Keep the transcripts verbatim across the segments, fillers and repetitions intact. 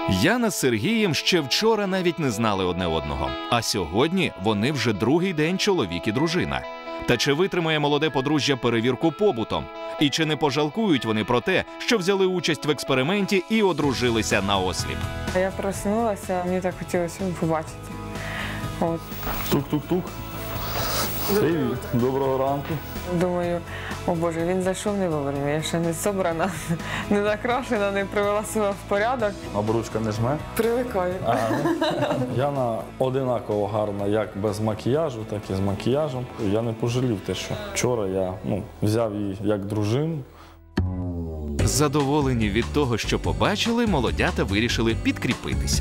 Яна з Сергієм ще вчора навіть не знали одне одного. А сьогодні вони вже другий день чоловік і дружина. Та чи витримає молоде подружжя перевірку побутом? І чи не пожалкують вони про те, що взяли участь в експерименті і одружилися наосліп? Я проснулася, мені так хотілося побачити. От. Тук-тук-тук. Привіт. Доброго ранку. Думаю, о Боже, він зайшов не вовремя, я ще не собрана, не накрашена, не привела себе в порядок. Обручка не жме? Привикаю. Ага. Яна одинаково гарна як без макіяжу, так і з макіяжем. Я не пожалів те, що вчора я ну, взяв її як дружину. Задоволені від того, що побачили, молодята вирішили підкріпитися.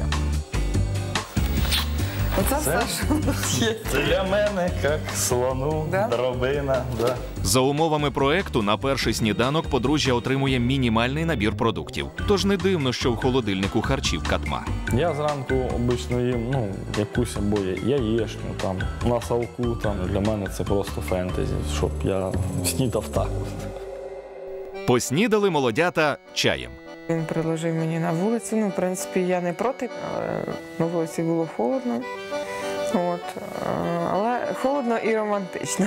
Оце Це? все, що тут є. Для мене, як слону, Да? дробина. Да. За умовами проекту на перший сніданок подружжя отримує мінімальний набір продуктів. Тож не дивно, що в холодильнику харчів катма. Я зранку обично їм ну, якусь або яєчню, там, на салку. Там. Для мене це просто фентезі, щоб я снідав так. Поснідали молодята чаєм. Він приложив мені на вулицю, ну, в принципі, я не проти, але на вулиці було холодно. От. Але холодно і романтично.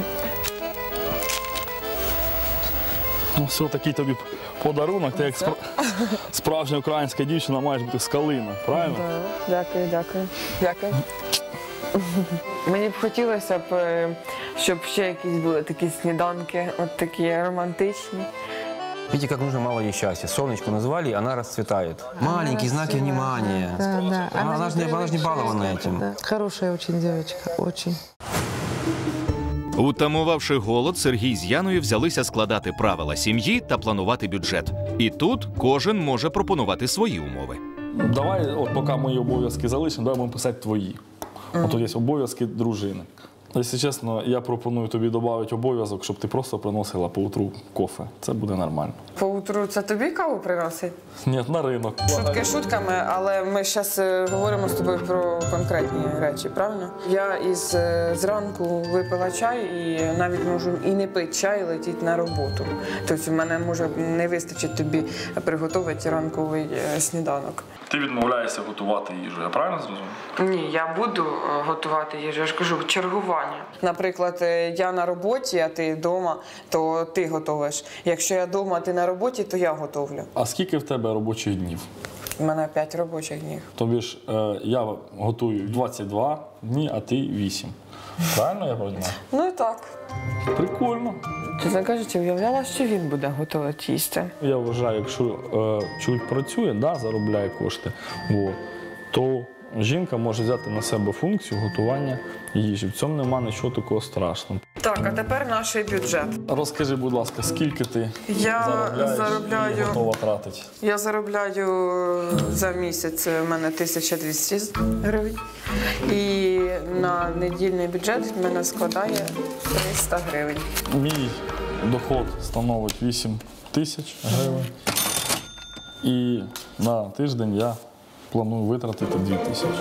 Ну, все, такий тобі подарунок, ти як спра... справжня українська дівчина маєш бути з калина, правильно? Да. Дякую, дякую. Дякую. Мені б хотілося б, щоб ще якісь були такі сніданки, от такі романтичні. Видите, как нужно мало ей счастья. Солнечко назвали, она расцветает. Маленькие знаки внимания. Да, да. Она, она, же не, она же не балована этим. Да. Хорошая очень девочка, очень. Утамувавши голод, Сергій з Яною взялися складати правила сім'ї та планувати бюджет. І тут кожен може пропонувати свої умови. Давай, от поки мої обов'язки залишимо, давай будемо писати твої. От тут є обов'язки дружини. Якщо чесно, я пропоную тобі додати обов'язок, щоб ти просто приносила поутру кофе. Це буде нормально. Поутру це тобі каву приносить? Ні, на ринок. Шутки шутками, але ми зараз говоримо з тобою про конкретні речі, правильно? Я із е, зранку випила чай і навіть можу і не пити чай, і летіти на роботу. Тобто в мене може не вистачить тобі приготувати ранковий е, сніданок. Ти відмовляєшся готувати їжу, я правильно зрозумів? Ні, я буду е, готувати їжу, я ж кажу, чергування. Наприклад, е, я на роботі, а ти вдома, то ти готуєш. Якщо я вдома, а ти на роботі, то я готовлю. А скільки в тебе робочих днів? У мене п'ять робочих днів. Тобі ж е, я готую двадцять два дні, а ти вісім. Правильно я розумію? Ну і так. Прикольно. Чесно кажучи, уявляла, що він буде готувати їсти. Я вважаю, якщо е, чоловік працює, да, заробляє кошти, о, то жінка може взяти на себе функцію готування їжі. В цьому немає нічого такого страшного. Так, а тепер наш бюджет. Розкажи, будь ласка, скільки ти Я заробляєш заробляю- і готова тратити? Я заробляю за місяць, у мене тисяча двісті гривень. І на недільний бюджет в мене складає триста гривень. Мій доход становить вісім тисяч гривень. І на тиждень я планую витратити дві тисячі.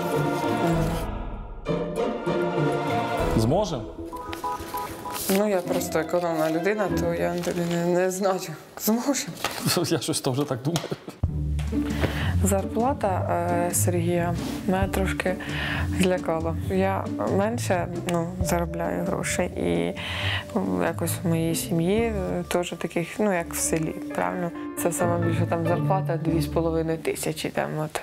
Зможемо? Ну, я просто економна людина, то я не, не знаю, зможемо. Я щось там вже так думаю. Зарплата е, Сергія мене трошки злякала. Я менше ну, заробляю грошей і ну, якось в моїй сім'ї е, теж таких, ну як в селі, правильно? Це саме більше там зарплата дві з половиною тисячі там от.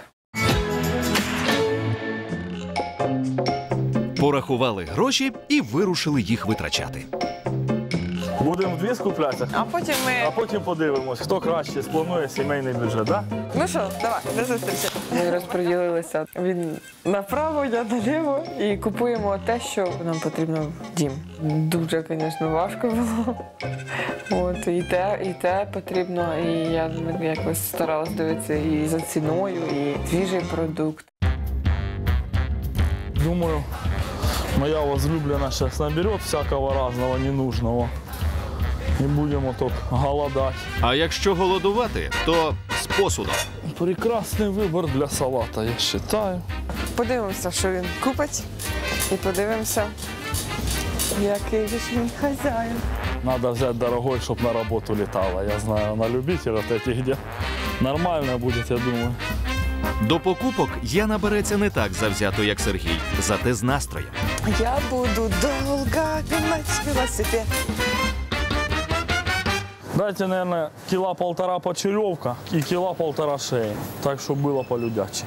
Порахували гроші і вирушили їх витрачати. Будемо вдві скуплятися, А потім ми... а потім подивимось, хто краще спланує сімейний бюджет, так? Ну що, давай, до зустрічі. Ми розподілилися. Він направо, я наліво. І купуємо те, що нам потрібно в дім. Дуже, звісно, важко було. От, і те, і те потрібно. І я якось старалась дивитися і за ціною, і свіжий продукт. Думаю, моя возлюблена сейчас наберет всякого разного ненужного. І будемо тут голодати. А якщо голодувати, то з посудом. Прекрасний вибір для салата, я вважаю. Подивимося, що він купить, і подивимося, який же ж він хазяїн. Надо взять дорогой, чтобы на работу летала. Я знаю, она любитель вот этих, где нормально будет, я думаю. До покупок Яна береться не так завзято, як Сергій, зате з настроєм. Я буду долго гнать велосипед. Дайте, наверное, кіла полтора почерьовка і кіла полтора шеї. Так, щоб було по-людячі.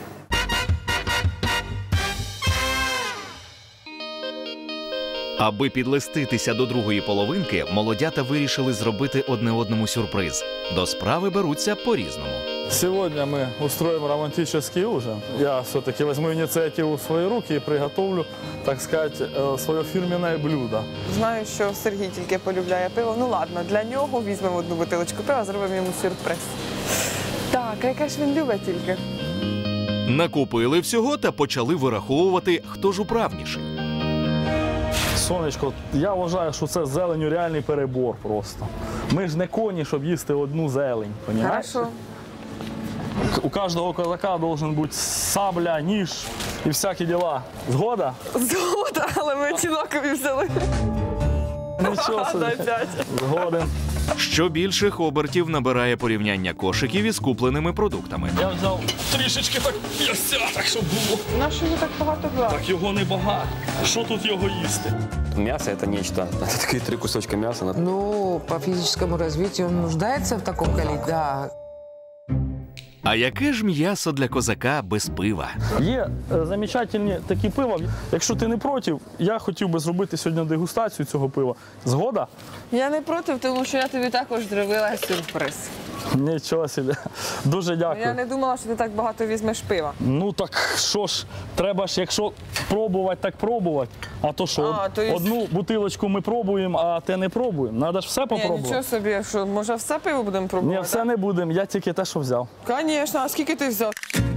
Аби підлеститися до другої половинки, молодята вирішили зробити одне одному сюрприз. До справи беруться по-різному. Сегодня мы устроим романтический ужин. Я все-таки возьму инициативу в свои руки и приготовлю, так сказать, э, свое фирменное блюдо. Знаю, що Сергій тільки полюбляє пиво. Ну ладно, для нього візьмемо одну бутилочку пива, зробимо йому сюрприз. Так, а яке ж він любить тільки? Накупили всього та почали вираховувати, хто ж управніший. Сонечко, я вважаю, що це з зеленю реальний перебор просто. Ми ж не коні, щоб їсти одну зелень, понімаєш? Хорошо. У кожного козака должен бути сабля, ніж і всякі діла. Згода? Згода, але ми одинакові взяли. Нічого собі. Дай п'ять. Згоден. Що більших обертів набирає порівняння кошиків із купленими продуктами. Я взяв трішечки так м'яса, так щоб було. Нащо ви так багато брали? Так його не багато. Що тут його їсти? Мясо – это нечто. Это такие три кусочка мяса. на- Ну, по физическому развитию он нуждается в таком количестве, да. А яке ж м'ясо для козака без пива? Є е, замечательні такі пива. Якщо ти не проти, я хотів би зробити сьогодні дегустацію цього пива. Згода? Я не проти, тому що я тобі також зробила сюрприз. Нічого собі. Дуже дякую. Я не думала, що ти так багато візьмеш пива. Ну так що ж, треба ж, якщо пробувати, так пробувати. А то що, А, то є- одну бутилочку ми пробуємо, а те не пробуємо. Треба ж все Ні, попробувати. нічого собі, що може все пиво будемо Ні, пробувати? все не будемо, я тільки те, що взяв. Звісно, а скільки ти взяв?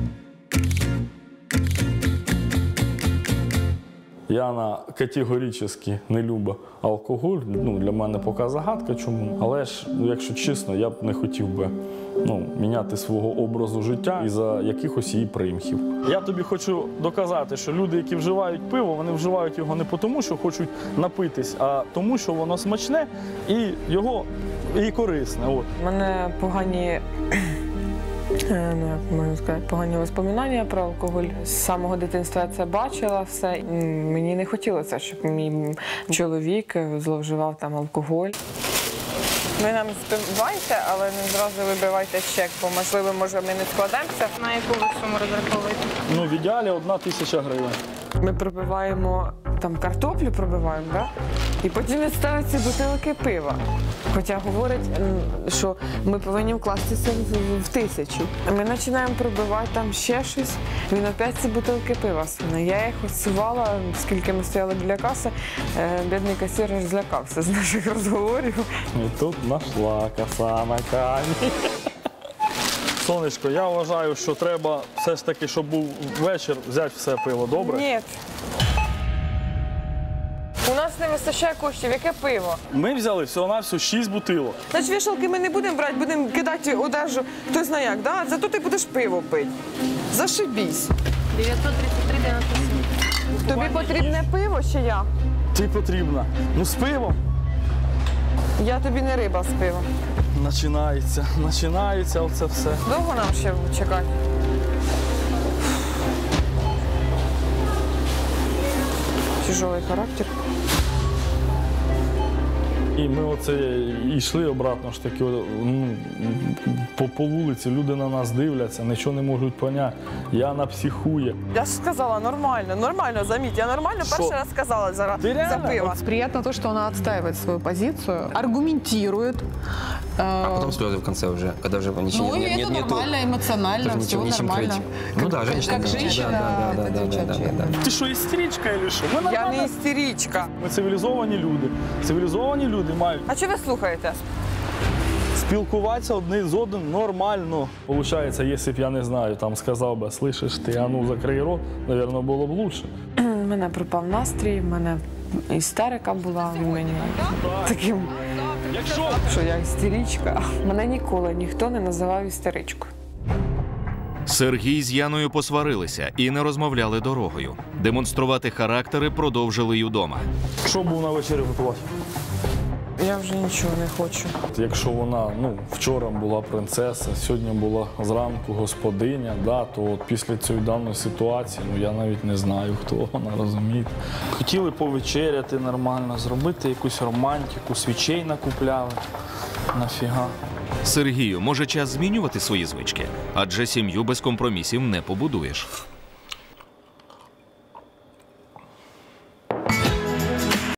Яна категорично не любить алкоголь. Ну, для мене поки загадка чому. Але ж, ну, якщо чесно, я б не хотів би ну, міняти свого образу життя із-за якихось її примхів. Я тобі хочу доказати, що люди, які вживають пиво, вони вживають його не тому, що хочуть напитись, а тому, що воно смачне і його і корисне. От. У мене погані, е, ну як можна сказати, погані воспоминання про алкоголь. З самого дитинства я це бачила все. М, Мені не хотілося, щоб мій чоловік зловживав там алкоголь. Ви нам співайте, але не зразу вибивайте чек, бо можливо, може, ми не складемося. На яку ви суму розраховуєте? Ну, в ідеалі одна тисяча гривень. Ми пробиваємо там картоплю, пробиваємо, да? І потім він ставить ці бутилки пива. Хоча говорить, м, що ми повинні вкластися в, в тисячу. Ми починаємо пробивати там ще щось. Він опять ці бутилки пива суне. Я їх осувала, скільки ми стояли біля каси. Е, бідний касир аж злякався з наших розговорів. І тут знайшла коса на камінь. Сонечко, я вважаю, що треба все ж таки, щоб був вечір, взяти все пиво, добре? Ні. У нас не вистачає коштів. Яке пиво? Ми взяли всього-навсього шість бутилок. Значить, вішалки ми не будемо брати, будемо кидати одежу, хто знає як, да? Зато ти будеш пиво пити. Зашибісь. дев'ятсот тридцять три дев'яносто сім. Тобі потрібне пиво чи я? Ти потрібна. Ну, з пивом. Я тобі не риба з пивом. Починається, починається оце все. Довго нам ще чекати? Тяжелий характер. І ми оце йшли обратно ж таки ну, по, по вулиці, люди на нас дивляться, нічого не можуть поняти. Яна психує. Я ж сказала нормально, нормально, заміть, я нормально Що? перший раз сказала за, Ти за реально? пиво. Приятно то, что она отстаивает свою позицию, аргументирует. А э, потом слезы в конце уже, когда уже ничего Ну, и нет, это нет, нету. нормально, эмоционально, Тоже все ничего, нечем нормально. крыть. Ну да, женщина. Как да, женщина, да, да, это да, да, да, девчачья. да, да. Ти що, істеричка чи що? Ми Я нормально. не істеричка. Ми цивілізовані люди. Цивілізовані люди мають А чи ви слухаєте? спілкуватися одне з одним нормально. Получається, якщо б я не знаю, там сказав би, слышиш ти, а ну закрий рот, напевно, було б лучше. У мене пропав настрій, в мене істерика була, в мені таким, Якщо що я істеричка. Мене ніколи ніхто не називав істеричкою. Сергій з Яною посварилися і не розмовляли дорогою. Демонструвати характери продовжили й удома. що був на вечері готувати? Я вже нічого не хочу. Якщо вона ну, вчора була принцеса, сьогодні була зранку господиня, да, то от після цієї даної ситуації ну, я навіть не знаю, хто вона, розумієте. Хотіли повечеряти нормально, зробити якусь романтику, свічей накупляли. Нафіга. Сергію, може час змінювати свої звички? Адже сім'ю без компромісів не побудуєш.